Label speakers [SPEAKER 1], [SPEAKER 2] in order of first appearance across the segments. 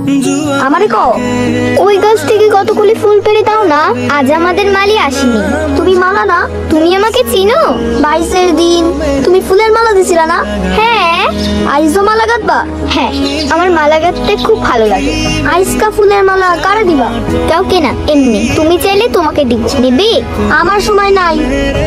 [SPEAKER 1] আমারে কও ওই গাছ থেকে কতগুলি ফুল পেড়ে দাও না, আজ আমাদের মালি আসেনি। তুমি মালা না, তুমি আমাকে চিনো? 22-এর দিন তুমি ফুলের মালা দিছিলা না? হ্যাঁ। আইজও মালা গাঁথবা? হ্যাঁ, আমার মালা গাঁথতে খুব ভালো লাগে। আইসকা ফুলের মালা কারে দিবা? কাউকে না, এমনি। তুমি চাইলে তোমাকে দিব। নেবে? আমার সময় নাই।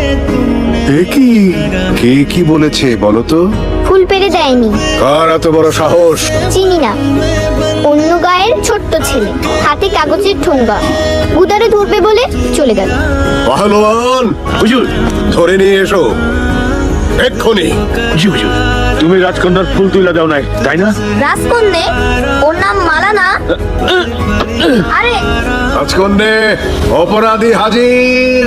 [SPEAKER 2] কে কি বলেছে বলো তো?
[SPEAKER 1] ফুল পেড়ে দেয়নি।
[SPEAKER 2] কার এত বড় সাহস?
[SPEAKER 1] চিনি না, অন্য গায়ের ছোট্ট ছেলে, হাতে কাগজের ঠোঙ্গা, উদারে ধরবে বলে চলে গেল।
[SPEAKER 2] পাহলোয়ান, হুজুর ধরে নিয়ে এসো এক্ষুনি।
[SPEAKER 3] জি হুজুর, তুমি রাজকন্যার ফুল তুলে দাও নাই, তাই না?
[SPEAKER 1] রাজকন্যে? ওর নাম মালা না? আরে
[SPEAKER 2] রাজকন্যে, অপরাধী হাজির।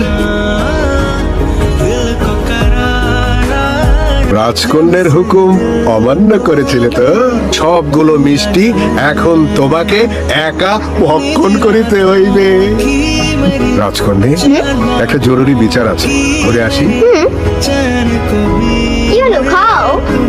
[SPEAKER 2] রাজকন্যের হুকুম অমান্য করেছিলে তো? সবগুলো মিষ্টি এখন তোমাকে একা ভক্ষণ করিতে হইবে। রাজকন্যে, একটা জরুরি বিচার আছে, করে আসি।
[SPEAKER 1] কি হলো? খাও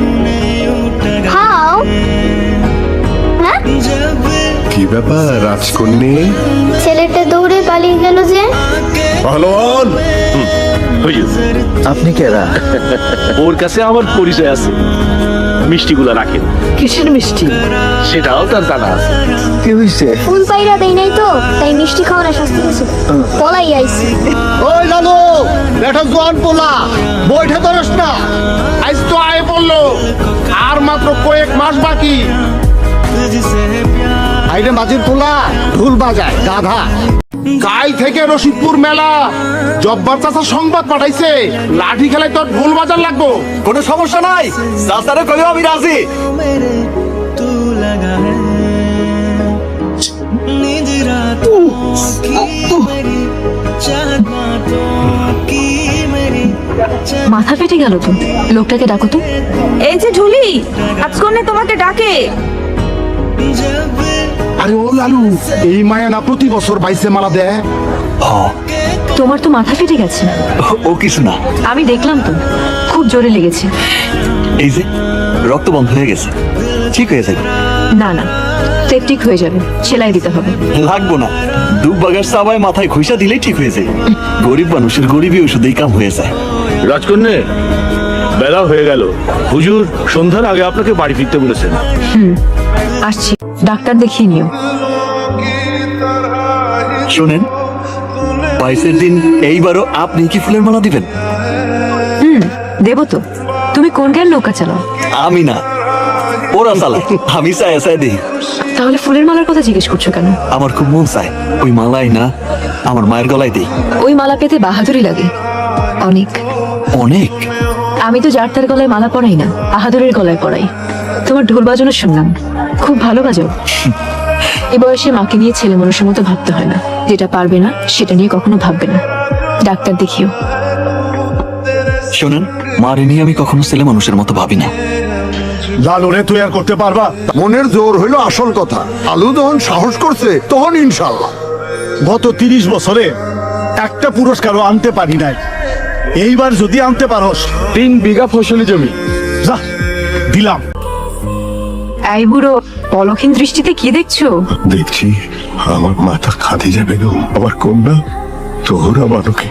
[SPEAKER 1] খাও। হ্যাঁ,
[SPEAKER 2] কি ব্যাপার রাজকন্যে?
[SPEAKER 1] ছেলেটা দৌড়ে পালিয়ে গেল যে।
[SPEAKER 2] পাহলোয়ান,
[SPEAKER 3] হুজুর,
[SPEAKER 4] আপনি কেরা?
[SPEAKER 3] ওর কাছে আমার পরিচয় আছে, মিষ্টিগুলো রাখেন।
[SPEAKER 4] কিসের মিষ্টি?
[SPEAKER 3] সেটাও তার জানা আছে।
[SPEAKER 4] কি হইছে?
[SPEAKER 1] ফুল পাইরা দেই নাই তো, তাই মিষ্টি খাওয়ার শাস্তি দিয়েছে। পলাই আইছি।
[SPEAKER 5] ওই লালু, বেটা জোয়ান পোলা, বইটা ধরস না। আজ তো আয় পড়লো, আর মাত্র কয়েক মাস বাকি। আইরে মাঝির পোলা ঢোল বাজায় গাধা। কাল থেকে রশিদপুর মেলা, জব্বার চাচা সংবাদ পাঠাইছে, লাঠি খেলায় তোর ঢোল বাজার লাগবো।
[SPEAKER 4] কোনো সমস্যা নাই, চাচারে কইও আমি রাজি।
[SPEAKER 6] মাথা ফেটে গেল তো, লোকটাকে ডাকো তো।
[SPEAKER 7] এই যে ঝুলি, রাজকন্যা তোমাকে ডাকে।
[SPEAKER 5] আরে ও লালু, এই মায়া না প্রতি বছর বাইসে মালা দেয়।
[SPEAKER 6] তোমার তো মাথা ফেটে গেছে।
[SPEAKER 4] ও কিছু না,
[SPEAKER 6] আমি দেখলাম তো, খুব জোরে লেগেছে।
[SPEAKER 4] এই যে রক্ত বন্ধ হয়ে গেছে, ঠিক হয়ে যাবে।
[SPEAKER 6] না না, সেপটিক হয়ে যাবে, সেলাই দিতে হবে।
[SPEAKER 4] লাগবো না, দুব বাগার সাবায় মাথায় ঘুষা দিলেই ঠিক হয়ে যায়। গরিব মানুষের গরিবই ওষুধেই কাম হয়ে যায়।
[SPEAKER 3] রাজকন্যা, বেলা হয়ে গেল, হুজুর সন্ধ্যার আগে আপনাকে বাড়ি ফিরতে বলেছেন।
[SPEAKER 6] আসছি, ডাক্তার দেখিয়ে নিও।
[SPEAKER 4] শোনেন, 22-এর দিন এইবারও আপনি কি ফুলের মালা দিবেন?
[SPEAKER 6] দেবো তো। তুমি কোন গায়ের নৌকা চালাও?
[SPEAKER 4] আমি না, ওরা চালায়, আমি চাই চাই দিই।
[SPEAKER 6] তাহলে ফুলের মালার কথা জিজ্ঞেস করছো কেন?
[SPEAKER 4] আমার খুব মন চায় ওই মালাই না আমার মায়ের গলায় দিই।
[SPEAKER 6] ওই মালা পেতে বাহাদুরি লাগে অনেক।
[SPEAKER 4] অনেক?
[SPEAKER 6] আমি তো যার তার গলায় মালা পরাই না, বাহাদুরের গলায় পরাই। তোমার ঢোল বাজানো শুনলাম, খুব ভালো বাজাও। এ বয়সে মাকে নিয়ে ছেলে মানুষের মতো ভাবতে হয় না, যেটা পারবে না সেটা নিয়ে কখনো ভাববে না। ডাক্তার দেখিও।
[SPEAKER 4] শোনেন, মারে নিয়ে আমি কখনো ছেলে মানুষের মতো ভাবি না।
[SPEAKER 5] লালুরে তুই আর করতে পারবা?
[SPEAKER 2] মনের জোর হইল আসল কথা। আলু যখন সাহস করছে তখন ইনশাল্লাহ।
[SPEAKER 5] গত 30 বছরে একটা পুরস্কারও আনতে পারি নাই, এইবার যদি আনতে পারোস
[SPEAKER 3] 3 বিঘা ফসলি জমি।
[SPEAKER 5] যা দিলাম।
[SPEAKER 6] এই বুড়ো, পলক্ষীন দৃষ্টিতে কি দেখছো?
[SPEAKER 2] দেখছি আমার মাথা খাদিজা বেগম, আমার কন্যা তোহরা বালকে।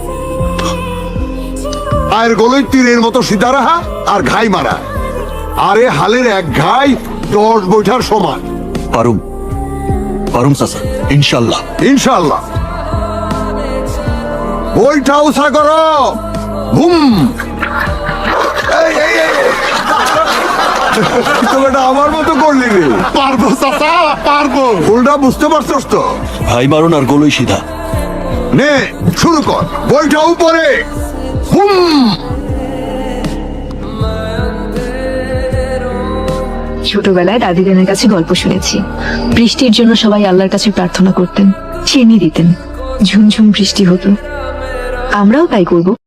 [SPEAKER 2] আর গলই তীরের মতো সিধা রাহা আর ঘাই মারা। আরে হালের এক ঘাই 10 বৈঠার সমান।
[SPEAKER 4] পারুম পারুম চাচা, ইনশাল্লাহ।
[SPEAKER 2] ইনশাল্লাহ। বইটা উষা করো। হুম, এই, এই, এই। তো এটা আমার মতো করলি রে।
[SPEAKER 5] পারবো চাচা, পারবো।
[SPEAKER 2] ফুলটা বুঝতে পারছস তো?
[SPEAKER 4] ভাই মারুন আর গলই সিধা।
[SPEAKER 2] নে শুরু কর, বইটা উপরে। হুম।
[SPEAKER 6] ছোটবেলায় দাদি নানের কাছে গল্প শুনেছি, বৃষ্টির জন্য সবাই আল্লাহর কাছে প্রার্থনা করতেন, চিনি দিতেন, ঝুমঝুম বৃষ্টি হতো। আমরাও তাই করবো।